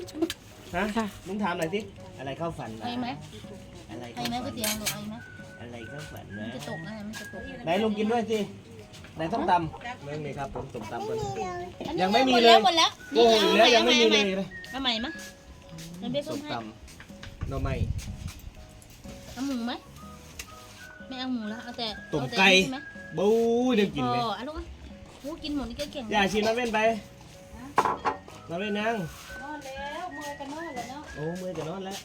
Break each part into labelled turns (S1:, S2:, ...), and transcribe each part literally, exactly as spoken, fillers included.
S1: ฮะลุงถามหน่อยสิอะไรเข้าฝัน
S2: ไอ้ไหม
S1: อะไร
S2: ไอ้ไหมก๋วยเตี๋ยวหนูไอ้ไหม
S1: อะไรเข้าฝันนะ
S2: จะตกนะมันจะตก
S1: ไหนลุงกินด้วยสิไหนส้มตำเรื่องนี้ครับผมส้มตำเป็น
S2: อันนี้
S1: ยังไม่มีเลย
S2: หมดแล้ว
S1: โอ้ยแล้วยังไม่มีเลย
S2: เอาใหม่มั้ยมันเบี้ยส้
S1: ส้
S2: ม
S1: ม
S2: ให้
S1: ตำหน่อไม้
S2: เอาหมูไหมไม่เอาหมูแล้วเอาแต่
S1: ต้มไก่
S2: ใช่ไหม
S1: บู๊เดี๋ยวกินไหม
S2: อ๋ออ่ะลูกอ่ะโอ้กินหมดนี่ก็เก่ง
S1: อย่าชิมน้ำเว้นไปน้ำเว้นยัง
S2: นอนแล้วเมื่อยกันนอนแล้วเนาะ
S1: โอ้เมื่อยจะนอนแล้ว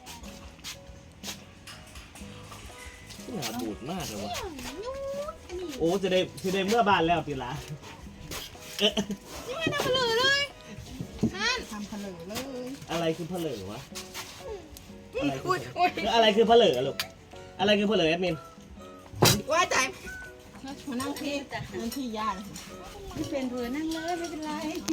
S1: หนาบูดมากเลยวะโอ้จะได้จะได้เมื่อบานแล้วปีละเอ๊ะ
S2: นี่ไม่ทำเหลือเลยฮัน
S3: ทำเผลอเลย
S1: อะไรคือเพลอวะอะไรคืออะไรคือเพลอลูกอะไรคือเพลอแอดมิน
S3: ว่าใจมานั่งที่นั่งที่ย่าเลย
S2: ไม่เป็นเผื่อนั่งเลยไม่เป็นไร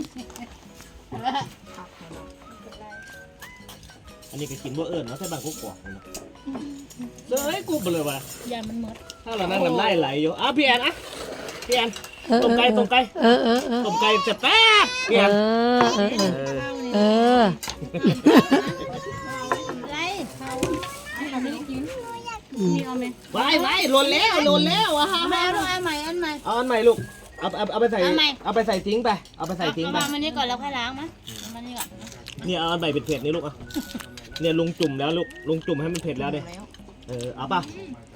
S1: อันนี้ก็กินบ่เอิญเนาะแต่บางกุ๊กกอกเนาะเฮ้ยกูเบลอวะ
S2: ยามันหมด
S1: ถ้าเรานั่งน้ำลายไหลอยู่อ่ะพี่แอนอ่ะพี่แอนต้มไก่ต้มไก่
S4: เออเออเออ
S1: ต้มไก่จะแป๊บพี่
S4: เอ
S1: แอน
S4: อเออเออเออ
S2: ไรเขาเขาไม่ได้กินมีเอาไหม
S1: ไว้ไว้หล่นแล้วหล่นแล้วอ่ะฮะ
S2: เอาใหม่เอาใหม่อันใหม่
S1: เอาอันใหม่ลูกเอาเอาเอาไปใส่
S2: เอาใหม่
S1: เอาไปใส่ทิ้งไปเอาไปใส่ทิ้งไป
S2: เอามามันนี่ก่อนแล้วค่อยล้างมั้ยเอามานี่ก่อน
S1: เนี่ยเอาอันใหม่เผ็ดๆนี่ลูกอ่ะเนี่ยลุงจุ่มแล้วลูกลุงจุ่มให้มันเผ็ดแล้วเด้เออเอาป่ะ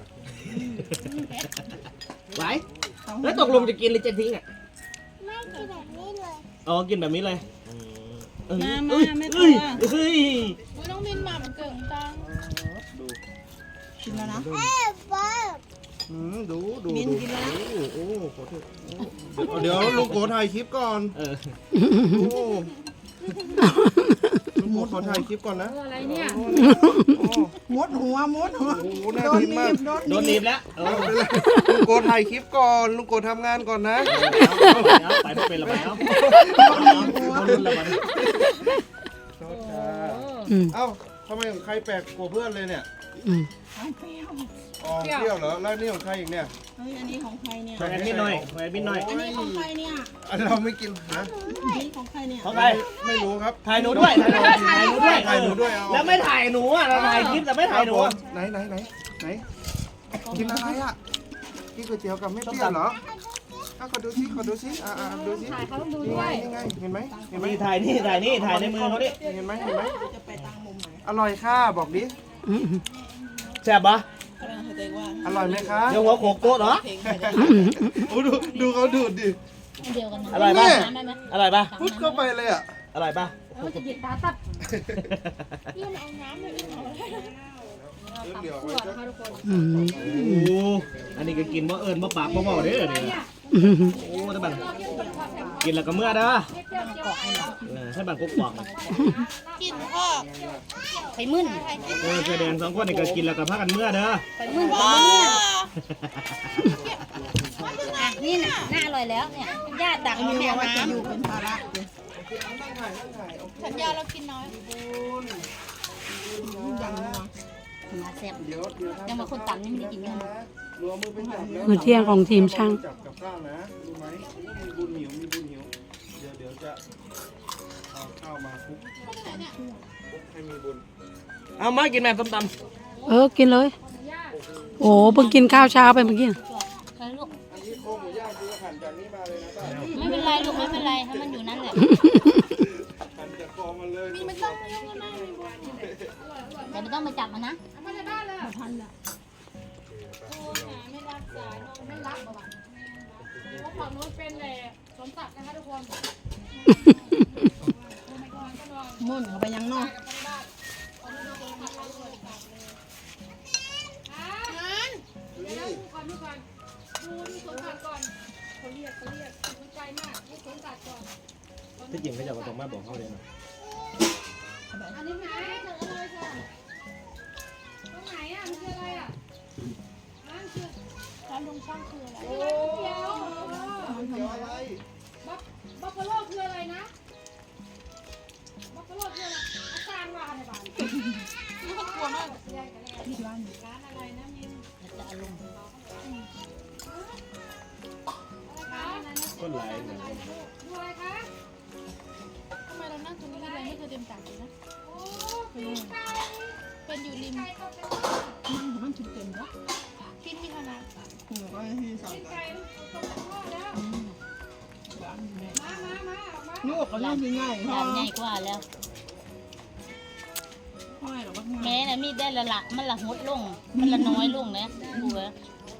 S1: ไหวแล้วตกลงจะกินหรือจะทิ้งอ่ะไม่กินแบบนี้เลยอ๋อกินแบบนี้เลยเออ
S2: มา
S1: เอ้
S2: มาย ไม่กลั
S1: เอ้
S2: วย
S1: เฮ้ย
S2: น้องมินมามันเก่งจัง
S1: ดู
S3: กินแล้วนะ
S5: อืมดูดู
S3: มิน
S5: ดู
S3: กินแล้วนะ
S5: โอ้โหขอโทษเดี๋ยวลุงโกถ่ายคลิปก่อน
S1: เออ
S5: โอ้ลุงโกขอถ่ายคลิปก่อนนะ
S2: อะไรเนี่ย
S5: โอ้
S3: มดหัวมดหัว
S5: โหน่า
S3: โดน
S5: กิน
S3: หนี
S5: มาก
S3: บโดน
S1: โดน
S3: ห
S1: ห
S3: นี
S1: นี
S3: บบ
S1: แล้วเออ
S5: ลุงโกถ่ายคลิปก่อนลุงโกทำงานก่อนนะ
S1: เอาไปไม่เป็นละไปเอาเอาลุ้นละมัน
S5: โทษค่ะ
S4: อืม
S5: เอ้าทำไมของใครแปลกกว่าเพื่อนเลยเนี่ย
S4: อืม
S3: เอาเปรี้ยว
S5: อ๋อเปรี้ยวเหรอแล้วนี่ของใครอีกเนี่ย
S3: เฮ้ยอันนี้ของใครเนี่ย
S1: แอดมินหน่อยแอดมินหน่อย
S3: อันนี้ของใครเนี่ย
S5: อันเราไม่กินนะ
S3: อันนี้ของใครเนี่ย
S1: ของใคร
S5: ไม่รู้ครับ
S1: ถ่ายหนูด้วยถ่ายหนูด้วย
S5: ถ่ายหนูด้วยเอา
S1: แล้วไม่ถ่ายหนูอ่ะเราถ่ายคลิปแต่ไม่ถ่ายหนู
S5: ครับ
S1: อ่ะ
S5: ผมไหนไหนไหนไหนกินอะไรอ่ะกินก๋วยเตี๋ยวกับไม่เปรี้ยวเหรออ่ะขอดูซิขอดูซิอ่าอ่าดูซิถ่ายเขาต้องดูด้วยนี่ไงเห็นไหมเห็นไหม
S1: นี่ถ่ายนี่ถ่ายนี่ถ่ายในมือเขาดิ
S5: เห็นไหมเห็นไหม
S3: จะไปตามมุมไหน
S5: อร่อยค่ะบอกดิ
S4: อืม
S1: แซ่บปะ
S3: กำลังเข้าใจว่า
S5: อร่อยไหมคะ
S1: เดี๋ยวหัวโขกโต๊ะเหรอ
S3: เพลงใครได้
S5: โอ้ดูดูเขาดูดดิ
S2: อันเดียวกันนะ
S1: อร่อยปะ
S2: น้ำได้ไหม
S1: อร่อยปะ
S5: พุดเข้าไปเลยอ่ะ
S1: อร่อยปะ
S2: เราจะหยิบตาตัด
S5: เดี๋ยวไว้จะ
S4: อืม
S1: โอ้อันนี้ก็กินบ่เอิญบ่ปากบ่เมาเด้อเนี่ยโอ้ถ้าบังกินแล้วก็เมื่อเด้อเออถ้าบังกุ๊กกอก
S2: กินพ่อไปมึน
S1: เออแสดงสองคนนี่ก็กินแล้วก็พากันเมื่อเด้อ
S2: ไปมึนไปมึนอ่ะนี่น่ะน่าอร่อยแล้วเนี่ยญาติตัก
S3: อัน
S2: มา
S3: นี้
S2: แม่
S3: ว่าจะอยู่
S2: น้ำ
S3: เป็นภาระเลย
S2: สัญญาเรากินน้อย
S3: ยังนัว
S2: มาแซ่บ
S5: เดี๋ยวเดี๋ยว
S2: ยังมาคนต่ำนี่ไม่ได้กินกัน
S5: รวมมือไปจับแล้ว
S4: มื้อเที่ยงของทีมช่าง
S5: จับกับข้าวนะรู้ไหมมีบุญหิวมีบุญหิวเดี๋ยวเดี๋ยวจะเอาข้าวมาคลุกคลุกให้มีบุญ
S1: เอามากินแม่ส้มต
S4: เออกินเลย โอ้เพิ่งกินข้าวเช้าไปเมื่อกี้
S2: ไปลูก
S5: อันนี้โครงหมูย่างคือหั่นจากนี้มาเลยนะป้า
S2: ไม่เป็นไรลูกไม่เป็นไรให้มันอยู่นั่นแหละ
S5: หั่นจากคอมาเลยนี่มัน
S2: แต่ไม่ต้องมาจับมันนะ
S3: มุ่นเข้าไปยังเนอก
S1: ำที่จริงเขาจะมาตรงมาบอกเขาเลยนะ
S2: อันนี้ไหนเจอเลยค่ะตรงไหนอ่ะมันคืออะไรอ่ะนั่นคือร้านลุงช่างคืออะไรร้านก๋วยเตี๋ยว
S5: เกี่ยวอะไร
S2: บัฟฟาโลคืออะไรนะบัฟฟาโลคืออะไรอาจารย์ว่าในบ้านนี่ก็กลัวมากร้านร้านอะไรนะมินจะอารมณ์
S1: ก็หลายเหมือนกัน
S2: ดูอะไรคะทำไมเรานั่งตรงนี้เลยไม่เคยเต็มตาเลยนะริม
S3: มันมันชุดเต็มแล้ว
S2: กินมีขนาด
S3: หัวก็ที่สอง
S2: ไก่ตกจากพ่อแล้วมามามาออกมา
S3: ลูกก็น่าจะง่ายพอ
S6: จานใหญ่กว่าแล้ว
S3: ง่ายหรอว่า
S6: แม่น่ะมีได้ละละมันละหดลง มันละน้อยลงนะดูเว้ย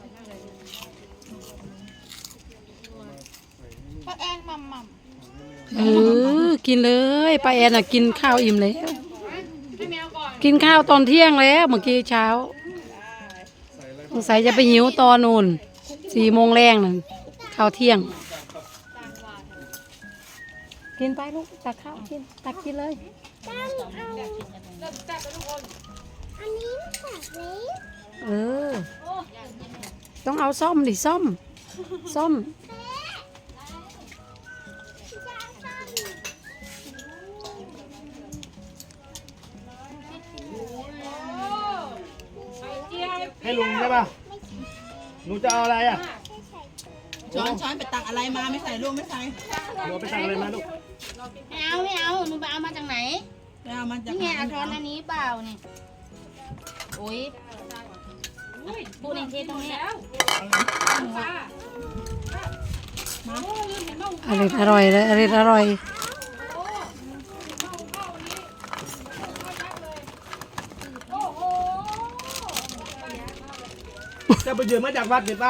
S2: ป้าแอนมัมมัม
S4: เออกินเลยป้าแอนน่ะกินข้าวอิ่มแล้ว
S2: ให้แมวก่อน
S4: กินข้าวตอนเที่ยงแล้วเมื่อกี้เช้าสงสัยจะไปหิวตอนนู่นสี่โมงแรงนั่นข้าวเที่ยง กินไปลูกตักข้าวกินตักกินเลย
S2: เริ่มแซ่บแล้วทุกคน
S4: เออ ต้องเอาซ่อมดิซ่อมซ่อม
S2: ไข่เจียว
S1: ให้ลุงได้ป่ะหนูจะเอาอะไรอ่ะ
S3: ช้อนช้อนไปตักอะไรมาไม่ใส่ลูกไม่ใส่
S1: หนูเอาไปสั่งอะไรมาลูก
S6: ไม่เอาไม่เอาหนูไปเอามาจากไหน
S3: ไปเอามาจาก
S6: นี่ไงเอาช้อนอันนี้เปล่านี่โอ้ยพูดในเทศตรงเนี้ย
S4: อร่อยอร่อยเลยอร่อยอร่อย
S2: โอ้โห
S1: จะไปยืมมาจากวัดเด็ดป่ะ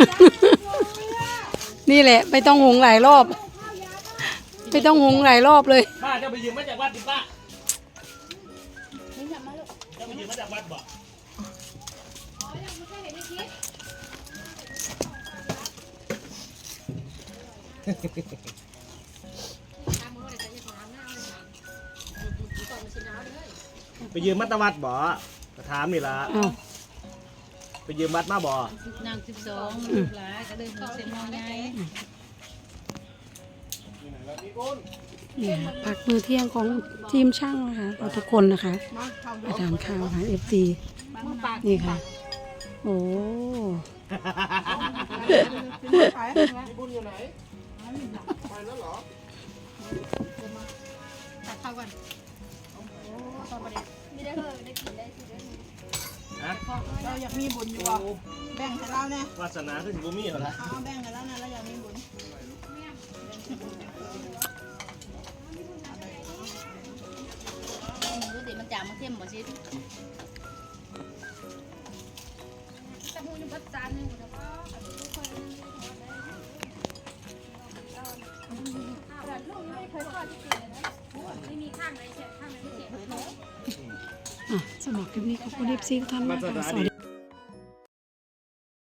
S4: นี่แหละไม่ต้องหุงหลายรอบ ไม่ต้องหุงหลายรอบเลย
S1: ป้าจะไปยืมมาจากวัดเด็ดป่ะ
S6: นี่กลับมาลูก
S1: จะไปยืมมาจากวัดบ่ ไปยืมมัตตวัดบ่ก็ถามนี่ล่ะ
S4: อ้าว
S1: ไปยืมวัดมาบ่
S6: นางสิบสองลูกหลานก็เลยเซมอใหญ่
S4: เนี่ยพักมื้อเที่ยงของทีมช่างนะคะเราทุกคนนะคะ
S3: มาเข้า
S4: มาทานข้าวค่ะเอฟซีนี่ค่ะ โอ้
S3: ขาย
S5: บุญอยู่ไหนไปแล้วเหรอ
S2: ตักข้าวก่อน
S1: ฮะ
S3: เราอยากมีบุญอยู่อ่ะแบ่งให้เราเนี่ยว
S1: าสนาคือสิบ่มีเหรอล่ะ
S3: เอาแบ่งให้เราเนี่ยเราอยากมีบุญ
S6: ดูดิมันจางมันเข้มบ่ชิ
S2: ตะมูนี่บัดจานหนึงแล้วก็ลูกยังไม่เคยทอดที่กินเลยนะไม่มีข้างไหนเสียข้างไหนไม่เสีย
S4: อ่ะสำหรับคลิปนี้ขอบคุณเอฟซีทุกท่านมากค่ะสวัสดี